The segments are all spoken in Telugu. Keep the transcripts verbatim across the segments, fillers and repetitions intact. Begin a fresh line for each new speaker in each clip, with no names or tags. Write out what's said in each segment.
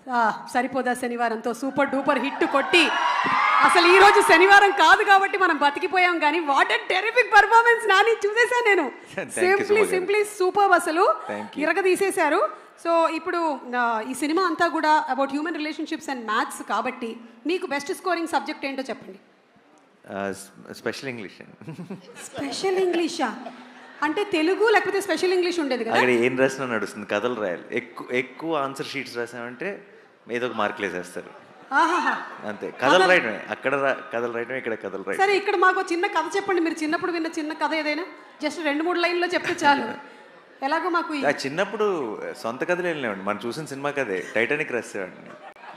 సరిపోదా శనివారంతో సూపర్ డూపర్ హిట్ కొట్టి అసలు ఈ రోజు శనివారం కాదు కాబట్టి మనం బతికిపోయాం కానీ what a terrific performance Nani చూసేసాను నేను. సింప్లీ సింప్లీ సూపర్, అసలు ఇరగ తీసేశారు. సో ఇప్పుడు ఈ సినిమా అంతా కూడా about human relationships and maths కాబట్టి మీకు బెస్ట్ స్కోరింగ్ సబ్జెక్ట్ ఏంటో చెప్పండి.
Special English.
స్పెషల్ ఇంగ్లీషా అంటే తెలుగు లేకపోతే స్పెషల్ ఇంగ్లీష్ ఉండేది కదా?
అక్కడ ఏం రాసినా నడుస్తుంది, కథలు రాయాలి. ఎక్కువ ఎక్కువ ఆన్సర్ షీట్స్ రాసామంటే ఏదో ఒక మార్కులు వేసేస్తారు అంతే. కథలు రాయడమే, అక్కడ కథలు రాయడమే, ఇక్కడ కథలు రాయడం.
సరే ఇక్కడ మాకు చిన్న కథ చెప్పండి, మీరు చిన్నప్పుడు విన్న చిన్న కథ ఏదైనా జస్ట్ రెండు మూడు లైన్లో చెప్తే చాలు. ఎలాగో మాకు
చిన్నప్పుడు సొంత కథలు వెళ్ళినామండి, మనం చూసిన సినిమా కథే టైటానిక్ రాసేవాడిని.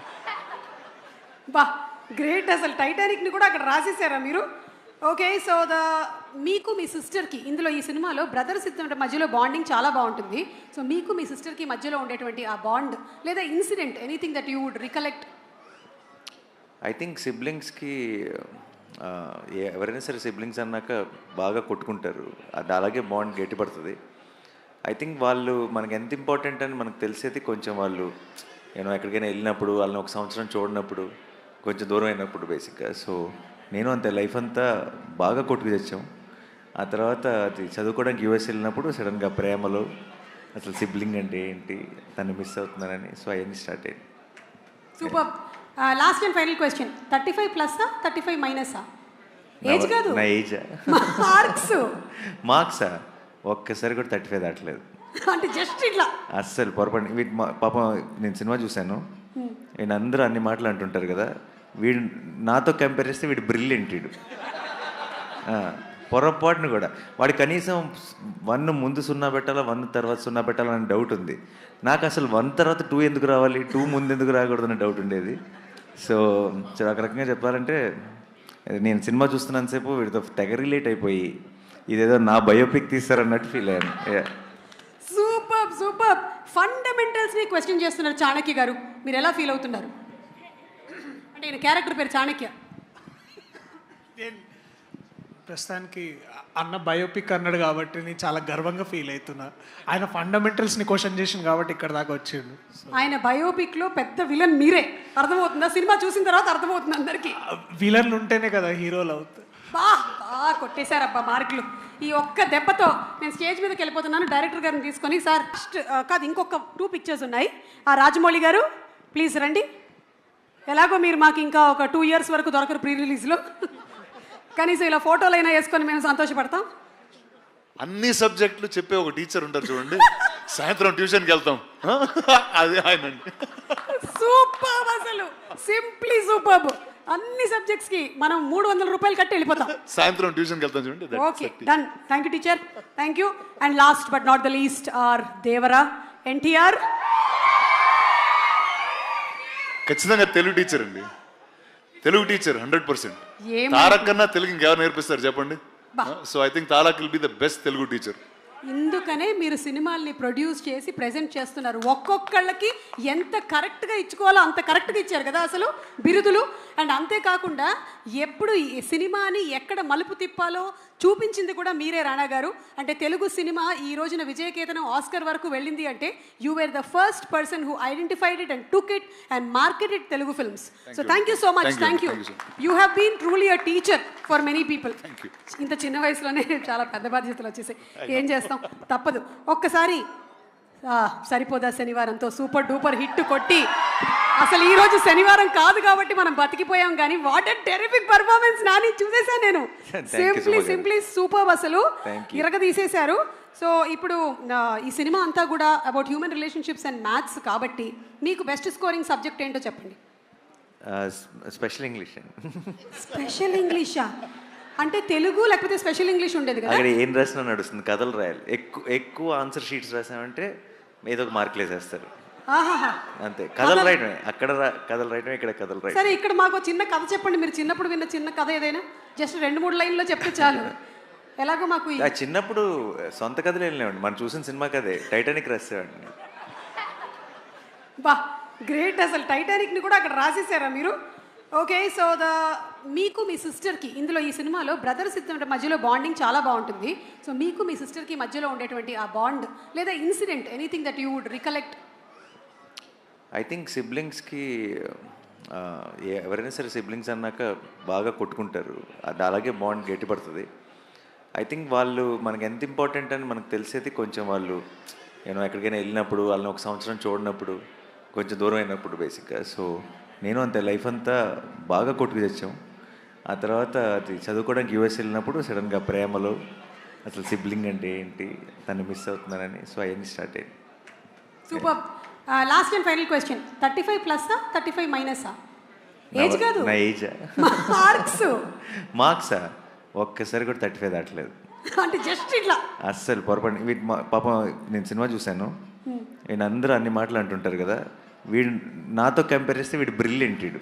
బా గ్రేట్, అసలు టైటానిక్ని కూడా అక్కడ రాసేసారా మీరు? ఓకే, సో ద మీకు మీ సిస్టర్కి ఇందులో ఈ సినిమాలో బ్రదర్స్ ఇద్దరి మధ్యలో బాండింగ్ చాలా బాగుంటుంది. సో మీకు మీ సిస్టర్కి మధ్యలో ఉండేటువంటి ఆ బాండ్ లేదా incident anything that you would recollect?
I think సిబ్లింగ్స్కి ఎవరైనా సరే సిబ్లింగ్స్ అన్నాక బాగా కొట్టుకుంటారు, అది అలాగే బాండ్ గట్టిపడుతుంది. ఐ థింక్ వాళ్ళు మనకి ఎంత ఇంపార్టెంట్ అని మనకు తెలిసేది కొంచెం వాళ్ళు నేను ఎక్కడికైనా వెళ్ళినప్పుడు, వాళ్ళని ఒక సంవత్సరం చూడనప్పుడు, కొంచెం దూరం అయినప్పుడు బేసిక్గా. సో నేను అంతే లైఫ్ అంతా బాగా కొట్టుకు తెచ్చాం. ఆ తర్వాత అది చదువుకోవడానికి యూఎస్ వెళ్ళినప్పుడు సడన్గా ప్రేమలో అసలు సిబ్లింగ్ అంటే ఏంటి, తను మిస్ అవుతున్నానని, సో అవన్నీ స్టార్ట్ అయ్యింది.
Super. Last and final question, thirty five ప్లస్సా థర్టీ ఫైవ్ మైనసా? ఏజ్ కాదు,
నా ఏజా?
మార్క్స్.
మార్క్సా? ఒక్కసారి కూడా థర్టీ ఫైవ్ దాటలేదు.
అంటే జస్ట్ ఇట్లా
అస్సలు పొరపాటు. వీటి పాపం నేను సినిమా చూశాను, నేను అందరూ అన్ని మాటలు అంటుంటారు కదా, వీడు నాతో కంపేర్ చేస్తే వీడు బ్రిలియంట్. వీడు పొరపాటును కూడా వాడు కనీసం వన్ ముందు సున్నా పెట్టాలా, వన్ తర్వాత సున్నా పెట్టాలా అని డౌట్ ఉంది నాకు. అసలు వన్ తర్వాత టూ ఎందుకు రావాలి, టూ ముందు ఎందుకు రాకూడదని డౌట్ ఉండేది. సో ఒక రకంగా చెప్పాలంటే నేను సినిమా చూస్తున్నంతసేపు వీడితో తెగ రిలేట్ అయిపోయి ఇదేదో నా బయోపిక్ తీస్తారన్నట్టు ఫీల్ అయ్యాను.
Super super. ఫండమెంటల్స్ని క్వశ్చన్ చేస్తున్నారు చాణక్య గారు, మీరు ఎలా ఫీల్ అవుతున్నారు? అంటే ఈయన క్యారెక్టర్ పేరు చాణక్య.
ప్రస్తుతానికి అన్న బయోపిక్ అన్నాడు కాబట్టి నేను చాలా గర్వంగా ఫీల్ అవుతున్నా. ఆయన ఫండమెంటల్స్ని క్వశ్చన్ చేసింది కాబట్టి ఇక్కడ దాకా వచ్చిండు.
ఆయన బయోపిక్లో పెద్ద విలన్ మీరే, అర్థమవుతుందా? సినిమా చూసిన తర్వాత అర్థమవుతుంది అందరికీ.
విలన్లు ఉంటేనే కదా హీరోలు అవుతాయి.
బా బా కొట్టేశారబ్బా మార్కులు. ఈ ఒక్క దెబ్బతో నేను స్టేజ్ మీదకి వెళ్ళిపోతున్నాను. డైరెక్టర్ గారిని తీసుకొని, సార్ కాదు ఇంకొక టూ పిక్చర్స్ ఉన్నాయి, ఆ రాజమౌళి గారు ప్లీజ్ రండి. ఎలాగో మీరు మాకు ఇంకా ఒక టూ ఇయర్స్ వరకు దొరకరు ప్రీ రిలీజ్లో, కనీసం ఇలా ఫోటోలు అయినా వేసుకొని మేము సంతోషపడతాం.
అన్ని సబ్జెక్టులు చెప్పే ఒక టీచర్ ఉంటారు చూడండి, సాయంత్రం ట్యూషన్కి వెళ్తాం, అదే ఆయన.
సూపర్, అసలు సింప్లీ సూపర్. అన్ని సబ్జెక్ట్స్ కి మనం మూడు వందల రూపాయలు కట్టి వెళ్ళిపోతాం,
సాయంత్రం ట్యూషన్కి వెళ్తాం చూడండి.
Okay done. Thank you teacher, thank you. And last but not the least are Devara NTR.
ఖచ్చితంగా తెలుగు టీచర్ అండి, Telugu teacher hundred percent. Tarak కన్నా తెలుగు ఇంకెవరు నేర్పిస్తారు చెప్పండి? So I think Tarak will be the best Telugu teacher.
ఇందుకనే మీరు సినిమాల్ని ప్రొడ్యూస్ చేసి ప్రెజెంట్ చేస్తున్నారు. ఒక్కొక్కళ్ళకి ఎంత కరెక్ట్గా ఇచ్చుకోవాలో అంత కరెక్ట్గా ఇచ్చారు కదా అసలు బిరుదులు. అండ్ అంతేకాకుండా ఎప్పుడు ఈ సినిమాని ఎక్కడ మలుపు తిప్పాలో చూపించింది కూడా మీరే రాణా గారు. అంటే తెలుగు సినిమా ఈ రోజున విజయకేతనం ఆస్కర్ వరకు వెళ్ళింది అంటే you were the first person who identified it and took it and marketed Telugu films. So thank you so much. Thank you. You have been truly a teacher for many people. ఇంత చిన్న వయసులోనే చాలా పెద్ద బాధ్యతలు వచ్చేసాయి, ఏం చేస్తాం, తప్పదు. ఒక్కసారి సరిపోదా శనివారంతో సూపర్ డూపర్ హిట్ కొట్టి అసలు ఈ రోజు శనివారం కాదు కాబట్టి మనం బతికిపోయాం కానీ what a terrific performance Nani చూసేసాను నేను. సింప్లీ సింప్లీ సూపర్, అసలు ఇరగ తీసేశారు. సో ఇప్పుడు ఈ సినిమా అంతా కూడా about human relationships and maths కాబట్టి మీకు బెస్ట్ స్కోరింగ్ సబ్జెక్ట్ ఏంటో చెప్పండి.
Special English.
స్పెషల్ ఇంగ్లీషా అంటే తెలుగు లేకపోతే స్పెషల్ ఇంగ్లీష్ ఉండేది కదా?
అక్కడ ఏం రాసినా నడుస్తుంది, కథలు రాయాలి. ఎక్కువ ఎక్కువ ఆన్సర్ షీట్స్ రాసామంటే ఏదో ఒక మార్కులు వేసేస్తారు అంతే. కథలు రాయడమే, అక్కడ కథలు రాయడమే, ఇక్కడ కథలు రాయడం.
సరే ఇక్కడ మాకు చిన్న కథ చెప్పండి, మీరు చిన్నప్పుడు విన్న చిన్న కథ ఏదైనా జస్ట్ రెండు మూడు లైన్లో చెప్తే చాలు. ఎలాగో మాకు
చిన్నప్పుడు సొంత కథలు వెళ్ళినామండి, మనం చూసిన సినిమా కథే టైటానిక్ రాసేవాడిని.
బా గ్రేట్, అసలు టైటానిక్ని కూడా అక్కడ రాసేసారా మీరు? ఓకే, సో ద మీకు మీ సిస్టర్కి ఇందులో ఈ సినిమాలో బ్రదర్స్ ఇద్దరి మధ్యలో బాండింగ్ చాలా బాగుంటుంది. సో మీకు మీ సిస్టర్కి మధ్యలో ఉండేటువంటి ఆ బాండ్ లేదా incident anything that you would recollect?
I think సిబ్లింగ్స్కి ఎవరైనా సరే సిబ్లింగ్స్ అన్నాక బాగా కొట్టుకుంటారు, అది అలాగే బాండ్ గట్టిపడుతుంది. ఐ థింక్ వాళ్ళు మనకి ఎంత ఇంపార్టెంట్ అని మనకు తెలిసేది కొంచెం వాళ్ళు నేను ఎక్కడికైనా వెళ్ళినప్పుడు, వాళ్ళని ఒక సంవత్సరం చూడనప్పుడు, కొంచెం దూరం అయినప్పుడు బేసిక్గా. సో నేను అంతే లైఫ్ అంతా బాగా కొట్టుకు తెచ్చాం. ఆ తర్వాత అది చదువుకోవడానికి యూఎస్ వెళ్ళినప్పుడు సడన్గా ప్రేమలో అసలు సిబ్లింగ్ అంటే ఏంటి, తను మిస్ అవుతున్నానని, సో అవన్నీ స్టార్ట్ అయ్యింది.
Super. Last and final question, thirty five ప్లస్సా థర్టీ ఫైవ్ మైనసా? ఏజ్ కాదు,
నా ఏజా?
మార్క్స్.
మార్క్సా? ఒక్కసారి కూడా థర్టీ ఫైవ్ దాటలేదు.
అంటే జస్ట్ ఇట్లా
అస్సలు పొరపాటు. వీటి పాపం నేను సినిమా చూశాను, నేను అందరూ అన్ని మాటలు అంటుంటారు కదా, వీడు నాతో కంపేర్ చేస్తే వీడు బ్రిలియంట్, వీడు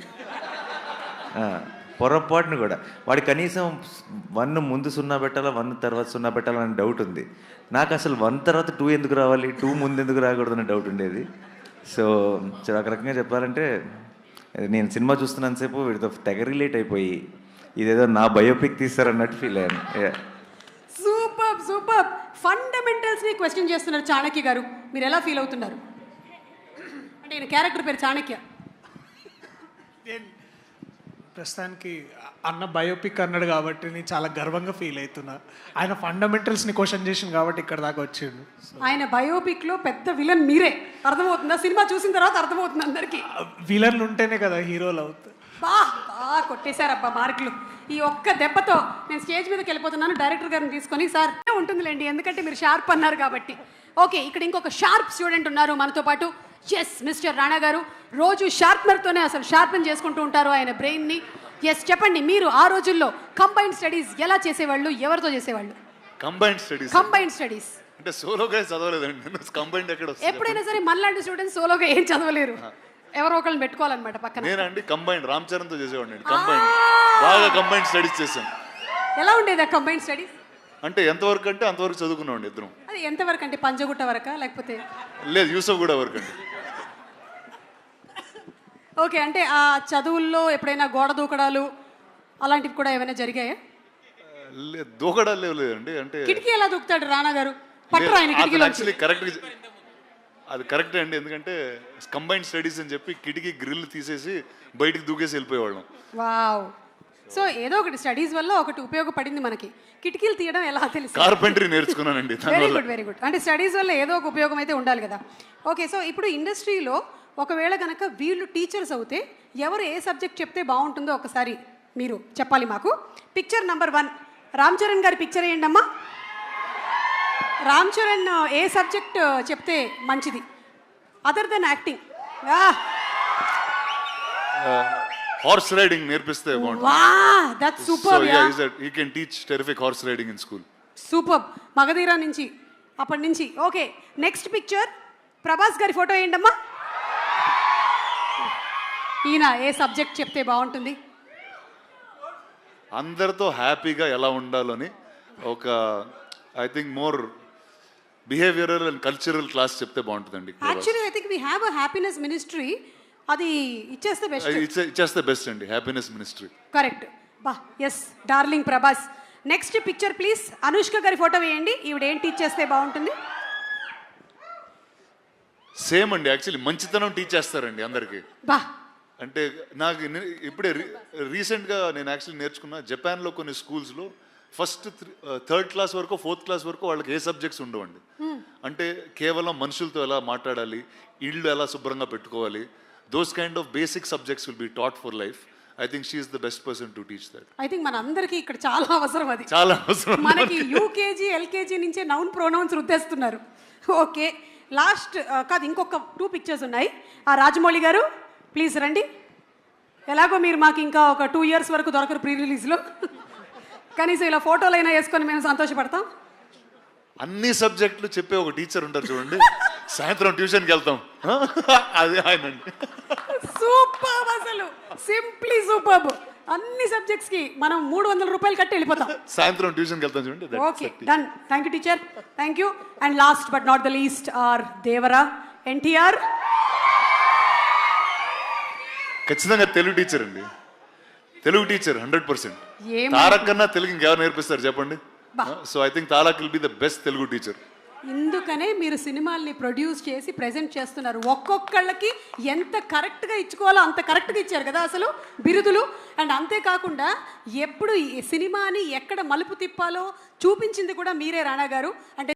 పొరపాటును కూడా. వాడు కనీసం వన్ ముందు సున్నా పెట్టాలా, వన్ తర్వాత సున్నా పెట్టాలా అని డౌట్ ఉంది నాకు. అసలు వన్ తర్వాత టూ ఎందుకు రావాలి, టూ ముందు ఎందుకు రాకూడదు అనే డౌట్ ఉండేది. సో ఒక రకంగా చెప్పాలంటే నేను సినిమా చూస్తున్నంతసేపు వీడితో తెగ రిలేట్ అయిపోయి ఇదేదో నా బయోపిక్ తీస్తారన్నట్టు ఫీల్ అయ్యాను.
Super super. ఫండమెంటల్స్ ని క్వశ్చన్ చేస్తున్నారు చాణక్య గారు, మీరు ఎలా ఫీల్ అవుతున్నారు? అంటే ఈయన క్యారెక్టర్ పేరు చాణక్య.
నేను ప్రస్తుతానికి అన్న బయోపిక్ అన్నాడు కాబట్టి నేను చాలా గర్వంగా ఫీల్ అవుతున్నా. ఆయన ఫండమెంటల్స్ని క్వశ్చన్ చేసింది కాబట్టి ఇక్కడ దాకా వచ్చిండు.
ఆయన బయోపిక్ లో పెద్ద విలన్ మీరే, అర్థమవుతుందా? సినిమా చూసిన తర్వాత అర్థమవుతుంది అందరికి.
విలన్లు ఉంటేనే కదా హీరోలు అవుతారు.
బా బా కొట్టేశారబ్బా మార్కులు. ఈ ఒక్క దెబ్బతో నేను స్టేజ్ మీదకి వెళ్ళిపోతున్నాను. డైరెక్టర్ గారిని తీసుకొని, సార్ ఉంటుందిలేండి ఎందుకంటే మీరు షార్ప్ అన్నారు కాబట్టి. ఓకే, ఇక్కడ ఇంకొక షార్ప్ స్టూడెంట్ ఉన్నారు మనతో పాటు. ఎస్, మిస్టర్ రాణా గారు రోజు షార్ప్నర్తోనే అసలు షార్పెన్ చేసుకుంటూ ఉంటారు ఆయన బ్రెయిన్ని. ఎస్, చెప్పండి, మీరు ఆ రోజుల్లో కంబైన్డ్ స్టడీస్ ఎలా చేసేవాళ్ళు, ఎవరితో చేసేవాళ్ళు?
కంబైన్డ్ స్టడీస్
కంబైన్డ్ స్టడీస్
అంటే సోలోగా చదవలేదండి. కంబైన్డ్ ఎక్కడ వస్తుంది?
ఎప్పుడైనా సరే మనలాంటి స్టూడెంట్స్ సోలోగా ఏం చదవలేరు, ఎవరో ఒకళ్ళని పెట్టుకోవాలన్నమాట పక్కన.
నేనండి కంబైన్డ్ రామ్ చరణ్తో చేసేవాడిని. కంబైన్డ్ బాగా కంబైన్డ్ స్టడీస్ చేసాం.
ఎలా ఉండేది ఆ కంబైన్డ్ స్టడీస్?
అంటే ఎంతవరకు అంటే అంతవరకు చదువుకున్నామండి ఇద్దరం.
అది ఎంతవరకు అంటే పంజగుట్ట వరకా లేకపోతే?
లేదు, యూసఫ్ కూడా వరకు అండి.
ఓకే, అంటే ఆ చదువుల్లో ఎప్పుడైనా గోడ దూకడాలు అలాంటివి కూడా ఏమైనా జరిగాయా?
లేదు, దూకడాలు లేవు లేదండి. అంటే
కిటికీ ఎలా దూకుతాడు రాణా గారు? పట్టరు ఆయన కిటికీలో.
యాక్చువల్లీ కరెక్ట్, అది కరెక్టే అండి. ఎందుకంటే కంబైన్డ్ స్టడీస్ అని చెప్పి కిటికీ గ్రిల్ తీసేసి బయటికి దూకేసి వెళ్ళిపోయేవాళ్ళం.
వావ్. సో ఏదో ఒకటి స్టడీస్ వల్ల ఒకటి ఉపయోగపడింది మనకి. కిటికీలు తీయడం ఎలా తెలుసు?
కార్పెంటరీ నేర్చుకున్నానండి.
Very good very good. అంటే స్టడీస్ వల్ల ఏదో ఒక ఉపయోగం అయితే ఉండాలి కదా. ఓకే, సో ఇప్పుడు ఇండస్ట్రీలో ఒకవేళ కనుక వీళ్ళు టీచర్స్ అవుతే ఎవరు ఏ సబ్జెక్ట్ చెప్తే బాగుంటుందో ఒకసారి మీరు చెప్పాలి మాకు. Picture number one, Ram Charan గారి పిక్చర్ వేయండి అమ్మా. రామ్ చరణ్ ఏ సబ్జెక్ట్ చెప్తే మంచిది other than acting?
Horse riding నేర్పిస్తే బాగుంటుంది.
Wow, that's super.
Yeah, he can teach terrific horse riding in school.
Super. Magadheera నుంచి అప్పటి నుంచి. ఓకే, నెక్స్ట్ పిక్చర్ ప్రభాస్ గారి ఫోటో వేయండి అమ్మా. ఈయన ఏ సబ్జెక్ట్ చెప్తే బాగుంటుంది?
అందరితో హ్యాపీగా ఎలా ఉండాలని ఒక I think more behavioural and cultural class చెప్తే బాగుంటుందండి.
Actually I think we have a happiness ministry, అది ఇచ్చేస్తే బెస్ట్.
ఇచ్చేస్తే బెస్ట్ అండి, హ్యాపీనెస్ మినిస్ట్రీ.
కరెక్ట్. బా, yes, darling Prabhas. Next picture please. Anushka గారి ఫోటో వేయండి. ఈవిడ ఏం టీచ్ చేస్తే బాగుంటుంది?
సేమ్ అండి, యాక్చువల్లీ మంచితనం టీచ్ చేస్తారండి అందరికీ.
బా,
అంటే నాకు నే- ఇప్పుడే రీసెంట్గా నేను యాక్చువల్లీ నేర్చుకున్న జపాన్లో కొన్ని స్కూల్స్లో ఫస్ట్ థర్డ్ క్లాస్ వరకు ఫోర్త్ క్లాస్ వరకు వాళ్ళకి ఏ సబ్జెక్ట్స్ ఉండవండి. అంటే కేవలం మనుషులతో ఎలా మాట్లాడాలి, ఇళ్ళు ఎలా శుభ్రంగా పెట్టుకోవాలి, those kind of basic subjects will be taught for life. I think she is the best person to teach that.
I think మన అందరికీ ఇక్కడ చాలా అవసరం అది.
చాలా అవసరం.
మనకి యూకేజీ ఎల్కేజీ నుంచే నౌన్ ప్రొనౌన్స్ రుద్దేస్తున్నారు. ఓకే, లాస్ట్ కాదు, ఇంకొక టూ పిక్చర్స్ ఉన్నాయి. ఆ రాజమౌళి గారు ప్లీజ్ రండి. ఎలాగో మీరు మాకు ఇంకా ఒక టూ ఇయర్స్ వరకు దొరకరు ప్రీ రిలీజ్లో, కనీసం ఇలా ఫోటోలు అయినా వేసుకొని మేము సంతోషపడతాం.
అన్ని సబ్జెక్టులు చెప్పే ఒక టీచర్ ఉంటారు చూడండి, సాయంత్రం ట్యూషన్కి వెళ్తాం, అదే ఆయన.
సూపర్, అసలు సింప్లీ సూపర్. అన్ని సబ్జెక్ట్స్ కి మనం మూడు వందల రూపాయలు కట్టి వెళ్ళిపోతాం.
సాయంత్రం ట్యూషన్కి వెళ్తాం చూడండి.
Okay, done. Thank you teacher, thank you. And last but not the least are Devara NTR.
ఖచ్చితంగా తెలుగు టీచర్ అండి, తెలుగు టీచర్ హండ్రెడ్ పర్సెంట్.
ఏం
తారక్ కన్నా తెలుగు ఇంకెవరు నేర్పిస్తారు చెప్పండి? So I think Tarak will be the best Telugu teacher.
ఇందుకనే మీరు సినిమాల్ని ప్రొడ్యూస్ చేసి ప్రెజెంట్ చేస్తున్నారు. ఒక్కొక్కళ్ళకి ఎంత కరెక్ట్గా ఇచ్చుకోవాలో అంత కరెక్ట్గా ఇచ్చారు కదా అసలు బిరుదులు. అండ్ అంతేకాకుండా ఎప్పుడు ఈ సినిమాని ఎక్కడ మలుపు తిప్పాలో చూపించింది కూడా మీరే రాణా గారు. అంటే